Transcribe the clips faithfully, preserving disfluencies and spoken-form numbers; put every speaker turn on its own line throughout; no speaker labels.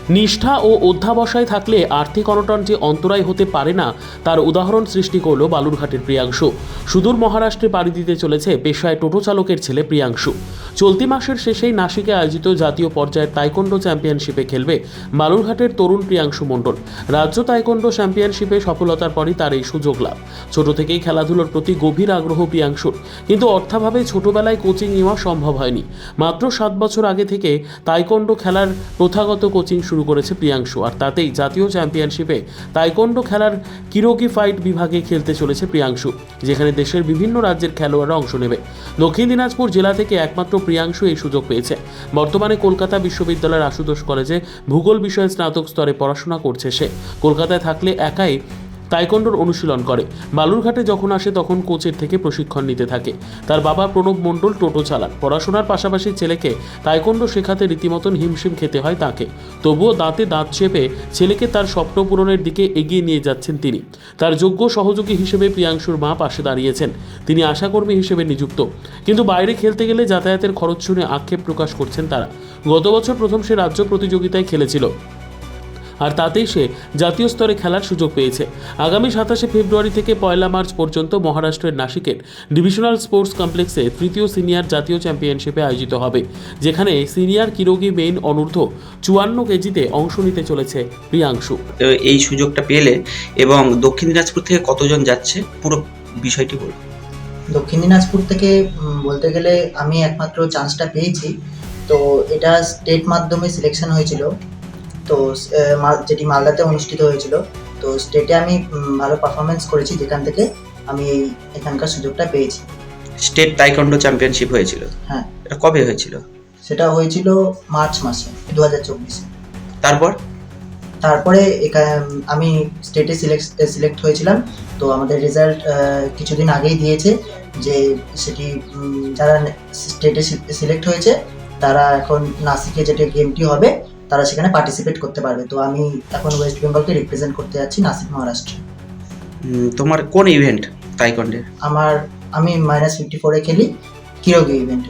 নিষ্ঠা ও অধ্যাবসায় থাকলে আর্থিক অনটন যে অন্তরায় হতে পারে না তার উদাহরণ সৃষ্টি করল বালুরঘাটের প্রিয়াংশু। সুদূর মহারাষ্ট্রে পাড়ি দিতে চলেছে পেশায় টোটো চালকের ছেলে প্রিয়াংশু। চলতি মাসের শেষেই নাসিকে আয়োজিত জাতীয় পর্যায়ের তাইকোন্ডো চ্যাম্পিয়নশিপে খেলবে বালুরঘাটের তরুণ প্রিয়াংশু মণ্ডল। রাজ্য তাইকোন্ডো চ্যাম্পিয়নশিপে সফলতার পরই তার এই সুযোগ লাভ। ছোট থেকেই খেলাধুলোর প্রতি গভীর আগ্রহ প্রিয়াংশুর, কিন্তু অর্থাভাবে ছোটবেলায় কোচিং নেওয়া সম্ভব হয়নি। মাত্র সাত বছর আগে থেকে তাইকোন্ডো খেলার প্রথাগত কোচিং শুরু করেছে প্রিয়াংশু, আর তাতেই জাতীয় চ্যাম্পিয়নশিপে তাইকোন্ডো খেলার কিরোগি ফাইট বিভাগে খেলতে চলেছে প্রিয়াংশু, যেখানে দেশের বিভিন্ন রাজ্যের খেলোয়াড়রা অংশ নেবে। দক্ষিণ দিনাজপুর জেলা থেকে একমাত্র প্রিয়াংশু এই সুযোগ পেয়েছে। বর্তমানে কলকাতা বিশ্ববিদ্যালয়ের আশুতোষ কলেজে ভূগোল বিষয়ে স্নাতক স্তরে পড়াশোনা করছে সে। কলকাতায় থাকলে একাই তাইকোন্ডোর অনুশীলন করে। বালুরঘাটে যখন আসে তখন কোচের থেকে প্রশিক্ষণ নিতে থাকে। তার বাবা প্রণব মণ্ডল টোটো চালান। পড়াশোনার পাশাপাশি ছেলেকে তাইকোন্ডো শেখাতে রীতিমতন হিমশিম খেতে হয় তাকে। তবুও দাঁতে দাঁত চেপে ছেলেকে তার স্বপ্ন পূরণের দিকে এগিয়ে নিয়ে যাচ্ছেন তিনি। তার যোগ্য সহযোগী হিসেবে প্রিয়াংশুর মা পাশে দাঁড়িয়েছেন। তিনি আশাকর্মী হিসেবে নিযুক্ত, কিন্তু বাইরে খেলতে গেলে যাতায়াতের খরচ শুনে আক্ষেপ প্রকাশ করছেন তারা। গত বছর প্রথম সে রাজ্য প্রতিযোগিতায় খেলেছিল, আর তাতেই সে জাতীয় স্তরে খেলার সুযোগ পেয়েছে। আগামী সাতাশে ফেব্রুয়ারি থেকে পয়লা মার্চ পর্যন্ত মহারাষ্ট্রের নাসিকের ডিভিশনাল স্পোর্টস কমপ্লেক্সে তৃতীয় সিনিয়র জাতীয় চ্যাম্পিয়নশিপে আয়োজিত হবে, যেখানে সিনিয়র কিরোগি মেইন অনূর্ধ্ব চুয়ান্ন কেজিতে অংশ নিতে চলেছে প্রিয়াংশু।
এই সুযোগটা পেলে এবং দক্ষিণ দিনাজপুর থেকে কতজন যাচ্ছে পুরো বিষয়টি বলুন।
দক্ষিণ দিনাজপুর থেকে বলতে গেলে আমি একমাত্র চান্সটা পেয়েছি, তো এটা স্টেট মাধ্যমে সিলেকশন হয়েছিল, তো যেটি মালদাতে অনুষ্ঠিত হয়েছিল। তো স্টেটে আমি ভালো পারফরমেন্স করেছি, যেখান থেকে আমি এখানকার সুযোগটা পেয়েছি।
স্টেট তাইকোন্ডো চ্যাম্পিয়নশিপ হয়েছিল?
হ্যাঁ।
এটা কবে হয়েছিল?
সেটা হয়েছিল মার্চ মাসে দু হাজার চব্বিশে।
তারপর
তারপরে আমি স্টেটে সিলেক্ট সিলেক্ট হয়েছিলাম। তো আমাদের রেজাল্ট কিছুদিন আগেই দিয়েছে যে সেটি যারা স্টেটে সিলেক্ট হয়েছে তারা এখন নাসিকে যেটা গেমটি হবে তারা সেখানে পার্টিসিপেট করতে পারবে। তো আমি এখন ওয়েস্ট বেঙ্গলকে রিপ্রেজেন্ট করতে যাচ্ছি নাসিক মহারাষ্ট্রে।
তোমার কোন ইভেন্ট তাইকোন্ডোর?
আমার আমি মাইনাস ফিফটি ফোরে খেলি, কিরোগি ইভেন্টে।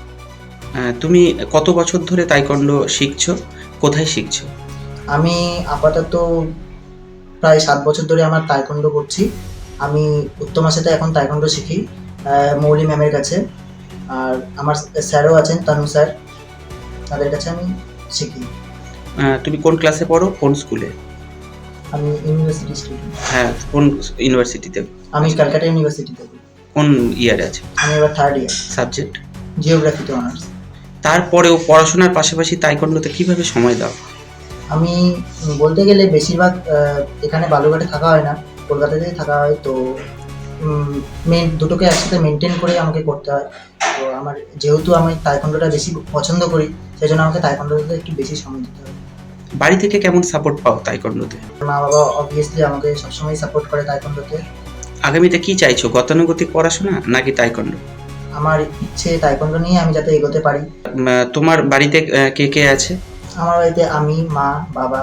তুমি কত বছর ধরে তাইকোন্ডো শিখছো, কোথায় শিখছো?
আমি আপাতত প্রায় সাত বছর ধরে আমার তাইকোন্ডো করছি। আমি উত্তমার সাথে এখন তাইকোন্ডো শিখি মৌলি ম্যামের কাছে, আর আমার স্যারও আছেন তানু স্যার, তাদের কাছে আমি শিখি।
তুমি কোন ক্লাসে পড়ো, কোন স্কুলে?
আমি ইউনিভার্সিটি স্টুডেন্ট।
হ্যাঁ, কোন ইউনিভার্সিটিতে?
আমি ক্যালকাটা ইউনিভার্সিটিতে।
কোন ইয়ারে আছে?
আমি এবার থার্ড ইয়ার।
সাবজেক্ট?
জিওগ্রাফিতে অনার্স।
তারপরেও পড়াশোনার পাশাপাশি তাইকোন্ডোতে কিভাবে সময় দাও?
আমি বলতে গেলে বেশিরভাগ এখানে বালুরঘাটে থাকা হয় না, কলকাতাতেই থাকা হয়। তো মেন দুটোকে একসাথে মেনটেন করে আমাকে করতে হয়। তো আমার যেহেতু আমি তাইকোন্ডোটা বেশি পছন্দ করি, সেই জন্য আমাকে তাইকোন্ডোতে একটু বেশি সময় দিতে হয়।
বাড়ি থেকে কেমন সাপোর্ট পাও তাইকোন্ডোতে?
মা বাবা অবভিয়াসলি আমাকে সবসময় সাপোর্ট করে তাইকোন্ডোতে।
আগামীতে কি চাইছো, গতানুগতিক পড়াশোনা নাকি তাইকোন্ডো?
আমার ইচ্ছে তাইকোন্ডো নিয়ে আমি যাতে এগোতে পারি।
তোমার বাড়িতে কে কে আছে?
আমার বাড়িতে আমি, মা, বাবা।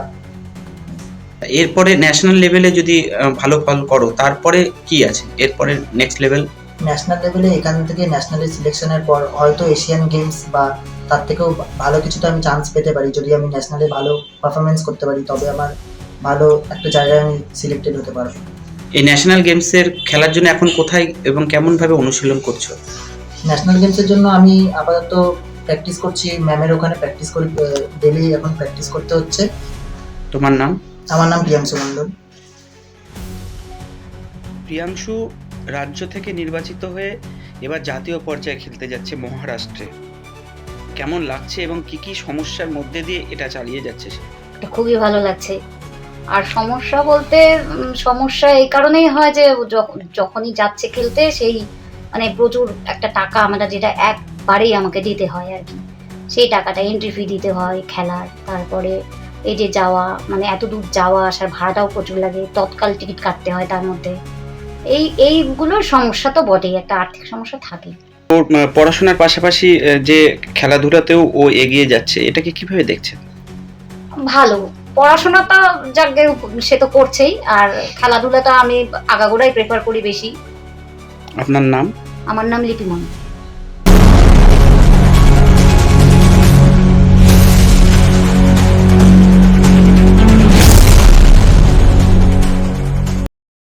এরপরে ন্যাশনাল লেভেলে যদি ভালো ফল করো তারপরে কি আছে এরপরে নেক্সট লেভেল?
ন্যাশনাল লেভেলে এখান থেকে ন্যাশনালের সিলেকশনের পর হয়তো এশিয়ান গেমস বা তার থেকেও ভালো কিছুতে আমি চান্স পেতে পারি। যদি আমি ন্যাশনালে ভালো পারফরমেন্স করতে পারি তবে আমার ভালো একটা জায়গায় আমি সিলেক্টেড হতে পারবো।
এই ন্যাশনাল গেমসের খেলার জন্য এখন কোথায় এবং কেমনভাবে অনুশীলন করছো?
ন্যাশনাল গেমসের জন্য আমি আপাতত প্র্যাকটিস করছি, ম্যামের ওখানে প্র্যাকটিস করি, ডেলি এখন প্র্যাকটিস করতে হচ্ছে।
তোমার নাম?
আমার নাম প্রিয়াংশু মণ্ডল।
প্রিয়াংশু রাজ্য থেকে নির্বাচিত হয়ে এবার জাতীয় পর্যায়ে খেলতে যাচ্ছে মহারাষ্ট্রে। কেমন লাগছে এবং কি কি সমস্যার মধ্যে দিয়ে এটা চালিয়ে যাচ্ছে?
খুবই ভালো লাগছে। আর সমস্যা বলতে সমস্যা এই কারণেই হয় যে যখনই যাচ্ছে খেলতে সেই মানে প্রচুর একটা টাকা আমরা যেটা একবারেই আমাকে দিতে হয় আর কি, সেই টাকাটা এন্ট্রি ফি দিতে হয় খেলার। তারপরে এই যে যাওয়া মানে এত দূর যাওয়া আসার ভাড়াটাও প্রচুর লাগে, তৎকাল টিকিট কাটতে হয় তার মধ্যে। এই এইগুলোর সমস্যা তো বটেই, একটা আর্থিক সমস্যা থাকে।
ওর পড়াশোনার পাশাপাশি যে খেলাধুলাতেও ও এগিয়ে যাচ্ছে, এটাকে কিভাবে দেখছেন?
ভালো, পড়াশোনাটা যাক সে তো করছেই, আর খেলাধুলাটা আমি আগাগোড়াই প্রেফার করি বেশি।
আপনার নাম?
আমার নাম লিপি মণ্ডল।